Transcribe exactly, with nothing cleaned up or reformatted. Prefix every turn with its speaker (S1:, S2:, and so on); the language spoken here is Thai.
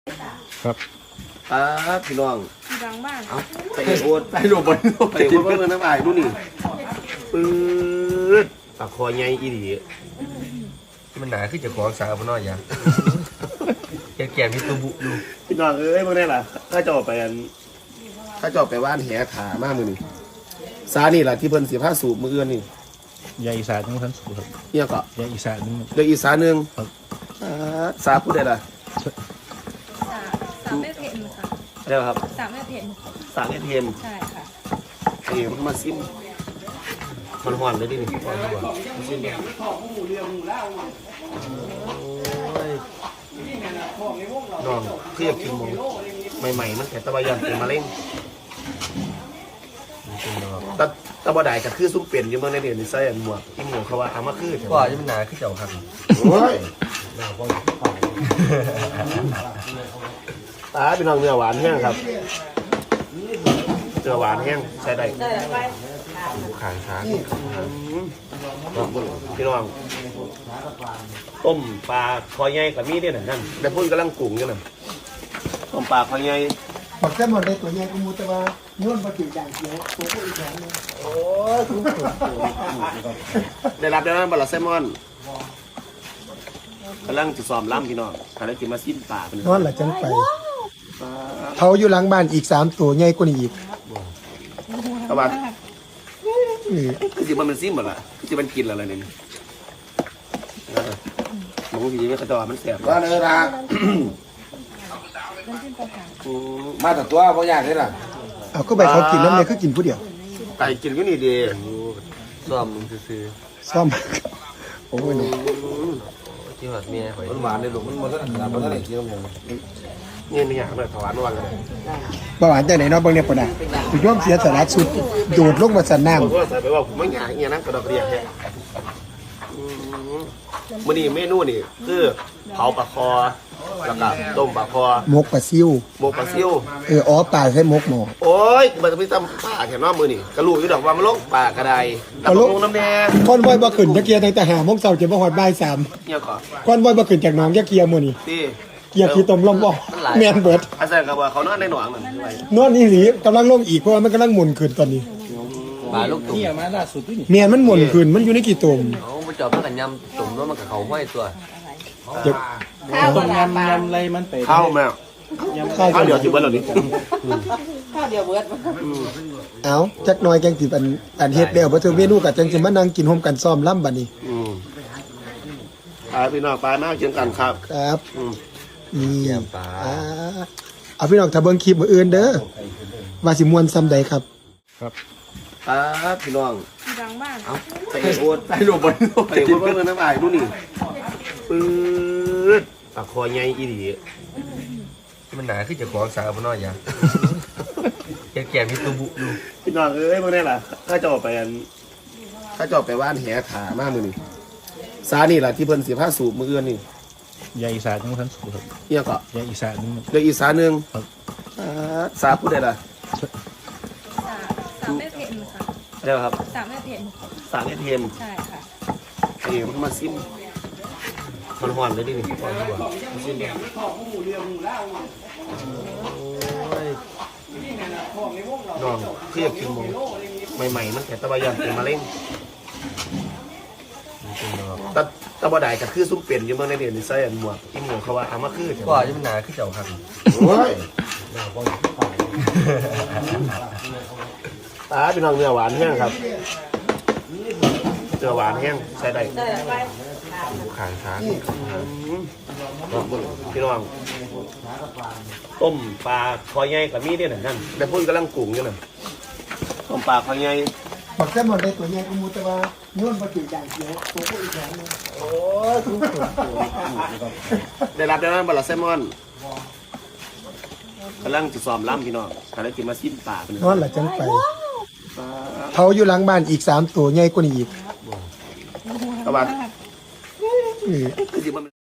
S1: ครับ
S2: อ่าพี่น้อง
S3: หลังบ้าน
S2: เอาไปโอ๊ตไปโรบอลไปโอ๊ตเมื่อน้ำอายดูนี่ปื๊ดปากคอใหญ่อีดี
S1: มันหนาขึ้นจากของสาวพน้อยยังแก่แก่มีตัวบุดู
S2: พี่น้องเอ้ยเมื่อไหร่ล่ะถ้าจะออกไปอันถ้าจะออกไปว่านแหขามากมือนี่ซานี่แหละที่เพิ่นเสียผ้าสูบมือเอื้อนนี่
S1: ยาอีสานทั้งทั้งสูครับ
S2: เนี่ยก็
S1: ยาอีสานนึง
S2: เดี๋ยวอีสานหนึ่งสาพูดได้ละ
S3: สามแม่เพนค่ะ
S2: เดี๋ยวครับ
S3: สามแม่เพน
S2: สามเอทม
S3: ใช่ค่ะ
S2: เอ๋มันมาซิมมันหวานเลยดินี่หวานดีกว่าซิมน้องเพื่อกินหมูใหม่ๆมันแต่ตะบะยันเป็นมะเร็งตะตะบะได้ก็คือซุ้มเปลี่ยนอยู่เมื่อในเดือนนี้ใส่หมวกที่หมวกเขาว่าเอามาคือ
S1: ว่าจะมันหนาขึ้นจากครับ
S2: โอ้ยตาเป็นน้องเนื้อหวานแห้งครับเนื้อหวานแห้งใช้ได้
S1: ขางช้าง
S2: พี่น้องต้มปลาคอใหญ่กับมีเนี่ยนั่นแต่พูดกำลังกุ่งอยู่นั่นต้มปลาคอใหญ่
S4: บอกแค่หมดเลยตัวใหญ่กูมูแต่ว่าย้อนมาถึงอย่างเดียวตัวก็อีกอย่างนึง
S2: โอ้ยได้รับได้ไหมบอลแซลมอนกำลังจะซ้อมล้ำพี่น้องอะไรกินมาซิมปลาเป็น
S4: นอนหลังจังไปเขาอยู่หลังบ้านอีกสามตัวใหญ่กว่านี้อีก
S2: เอาบ้านคือสิมันเป็นซิมหมดละคือสิมันกินอะไรเนี่ยมองทีไม่กระจอมันแสบ
S5: ว่าเนื้อละมาแต่ตัวเพราะอยากนี่ล่ะ
S4: เอาก็ไปเขากินแล้วเนี่ยคือกินผู้เดียว
S2: ไก่กินก็นี่ดี
S1: ซ้อมมึงซื้อ
S4: ซ้อมโอ้ยหนู
S1: ที่หัดเมียหอย
S5: มันหวานเลยลูกมันมันก็หนามันก็ไหนกินมัน
S2: นี่ไม่อยากเลยถวายวันเลย
S4: บ่หวานแต่ไหนเนาะเบิ่งเนี่ยปะน่ะคุณย่อมเสียสาระสุดโดดลงมาสันน้ำ
S2: ผมก็ใส่ไปว่าผมไม่อยากเงี้ยนะกระดกกระเดียแค่มื่อนี้เมนูนี่คือเผาปลาคอแล้วก็ต้มปลาคอ
S4: มกปลาซิว
S2: หมกปลาซิว
S4: เอออ๋อปลาใช้มกหมอ
S2: โอ้ยมันจะไปทำปลาแค่นอกมือนี่กระลูกอยู่ดอกว่ามันลงปลากระไดตะลงน้ำแดง
S4: ก้อนบอยบ่ขึ้นตะเกียร์ตั้งแต่หาโมงเช้าจะบ่ฮอดบ่ายสาม
S2: เนี่ยก่อน
S4: ก้อนบอยบ่ขึ้นจากหนองยะเกียร์มื้อนี้เกียร์ขี้ตมลมบ่แม่นเบิด
S2: อาจารย์ก็ว่าเขานอนในหนองนั่น
S4: นอนอีหลีกำลังลงอีกเพราะว่ามันกำลังหมุนขึ้นตอนนี้
S1: ปลาลูกตุ่มนี่มาล่าสุดนี่
S4: แม่นมันหมุนขึ้นมันอยู่ในกี่ตุ่ม
S1: เขามาจอบมันกันยำตุ่มแล้วมันกับเขาห้อยตัว
S4: ข้าว
S1: ยำยำอะไรมันไป
S2: ข้าวแมวข้าวเดียวจิบเบิร์ดเหล่านี้
S3: ข้าวเดียวเบิร์ด
S4: เอาจักหน่อยแกงสิอันอันเฮ็ดแล้วบ่ถึงเมนูก็จังสิมานั่งกินร่วมกันซ้อมล่ำบัดนี้
S2: อืมอ่าพี่น้องปลาหน้าเชียงกันครับ
S4: ครับนี่ปลาเอาพี่น้องถ้าเบิ่งคลิปมื้ออื่นเด้อว่าสิม่วนซ้ำใดครับ
S1: ครับ
S2: อ่าพี่น้อง
S3: หลังบ้าน
S2: เอาไปโอ๊ตไปโรบอลไปโอ๊ตเมื่อน้ำอายดูนี่ปื๊ดปากคอใหญ่อีดี
S1: มันหนาขึ้นจากของสาวพน้อยยังแก่แก่มีตัวบุดู
S2: พี่น้องเอ้ยเมื่อไหร่ล่ะถ้าจะออกไปอันถ้าจะออกไปว่านแหขามากมือนี่ซานี่แหละที่เพิ่นเสียผ้าสูบมือเอื้อนนี่
S1: ยาอีสานทั้งทั้งสูครับ
S2: เนี่ยก็
S1: ยาอีสานนึง
S2: เดี๋ยวอีสานหนึ่งสาพูดได้ละ
S3: สามแม่เพนค่ะ
S2: เดี๋ยวครับ
S3: สามแม่เพน
S2: สามเอทม
S3: ใช่ค่ะ
S2: เอ๋มันมาซิมมันหวานเลยดินี่หวานดีกว่าซิมน้องเพื่อกินหมูใหม่ๆมันแต่ตะบะยันเป็นมะเร็งตะตะบะได้ก็คือซุ้มเปลี่ยนอยู่เมื่อในเดือนนี้ใส่หมวกที่หมวกเขาว่าเอามาคือ
S1: ว่าจะมันหนาขึ้นจากครับ
S2: โอ้ยตาเป็นน้องเนื้อหวานแห้งครับเนื้อหวานแห้งใช้ได้
S1: ขางช้าง
S2: พี่น้องต้มปลาคอใหญ่กับมีเนี่ยนั่นแต่พูดกำลังกุ่งอยู่นั่นต้มปลาคอใหญ่
S4: บอกแค่หมดเลยตัวใหญ่กูมูแต่ว่าย้อนมาถึงอย่างเดียวตัวก็อีกอย่างนึง
S2: โอ้ยได้รับได้ไหมบอลแซลมอนกำลังจะซ้อมล้ำพี่น้องอะไรกินมาซิมปลาเป็น
S4: นอนหลังจังไปเขาอยู่หลังบ้านอีกสามตัวใหญ่กว่านี้อีก
S2: เอาบ้านคือสิมัน